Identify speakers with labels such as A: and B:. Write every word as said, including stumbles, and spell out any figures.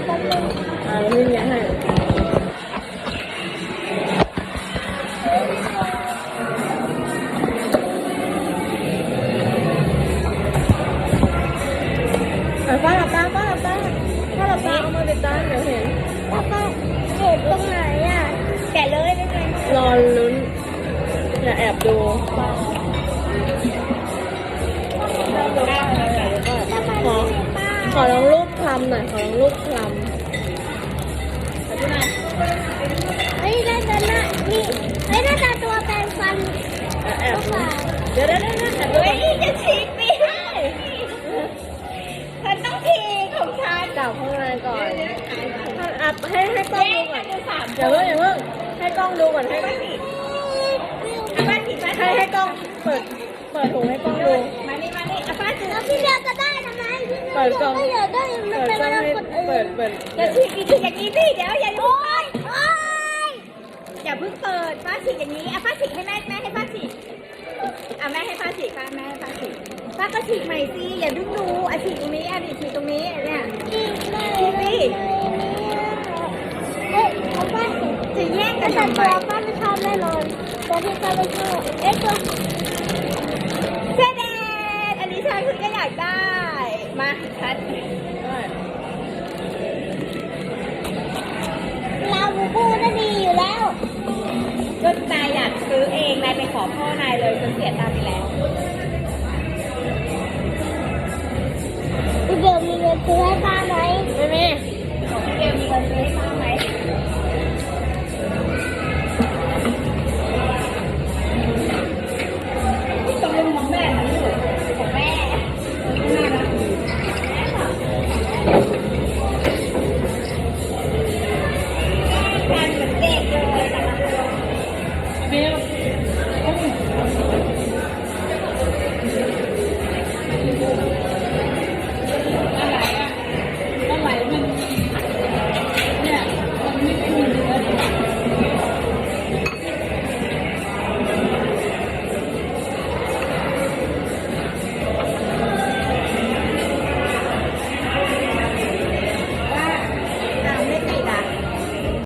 A: แป๊บนึง
B: อ่าแล้วนี่ยังไงอ่ะป้าหลับตาป้าหลับตาป้าหลับตาเอามาติดตาเดี๋ยวเห็น
A: แล้วก็เห็นตรงไหนอ่ะแกะเลยได้ไหม
B: รอลุ้นอย่าแอบดูขอขอลองรูปคลำหน่อยขอลองรูปคลำ
A: เฮ้ยน่าจะน่านี่เฮ้ยน่าจะตัวแปรงฟัน
B: อ่ะแอบดูเดี๋ยวเดี๋ยวเดี๋ยวแอบดู
C: เฮ้ยนี่จะฉีกไปให้ฉันต้องฉีกของฉัน
B: จับข้างในก่อนอ่ะให้ให้กล้องดูก่อนอย่าเพิ่งอย่าเพิ่งให้กล้องดูก่อนให้
C: มาฉีกมาฉีกมา
B: ให้ให้กล้องเปิดเปิดถุงให้กล้องดู
C: มานี่มานี่เอาป้าฉีก
A: แล้วพี่เดียวจะได้ทำไมพี่
B: เปิดกล้อง
A: ไม่อยากได้มัน
B: เปิด
A: เป็น
B: กล้อง
A: เรื่อง
B: ให้
A: คนอื่น
B: เปิดเปิด
C: จะฉีกอีกฉีกอย่างนี้สิเดี๋ยวอย่าลุก
A: โอ๊ย
C: อย่าเพิ่งเปิดป้าฉีกอย่างนี้เอาป้าฉีกให้แม่แม่ให้ป้าฉีกเอาแม่ให้ป้าฉีกป้าแม่ให้ป้าฉีกป้าก็ฉีกใหม่สิอย่าดึงดูอ่ะฉีกตรงนี้อ่ะดิฉีกตรงนี้เนี่ย
A: อีกเลย
C: ฉีกสิ
A: เฮ้ยเอาป้าสิ
C: จะแย่งกั
A: แต่
C: น
A: ตัว
C: ทำไม
A: ป้าไม่ชอบแน่นอนตัวที่ป้าไม่ชอบเอ๊ะตัว
C: เช่นเดนอันนี้ฉันคือก็อยากได้ มาชัด
A: ลาบูบูน่ะดีอยู่แล้ว
C: ก็นายอยากซื้อเองนายไปขอพ่อนายเลยจนเสียตังค์ไปแล้ว
A: พี่เดียวมีเงินซื้อให้ป้าไหม
B: ไม่มี
C: เดี๋ยวมีเงินซื้อให้ป้าไหม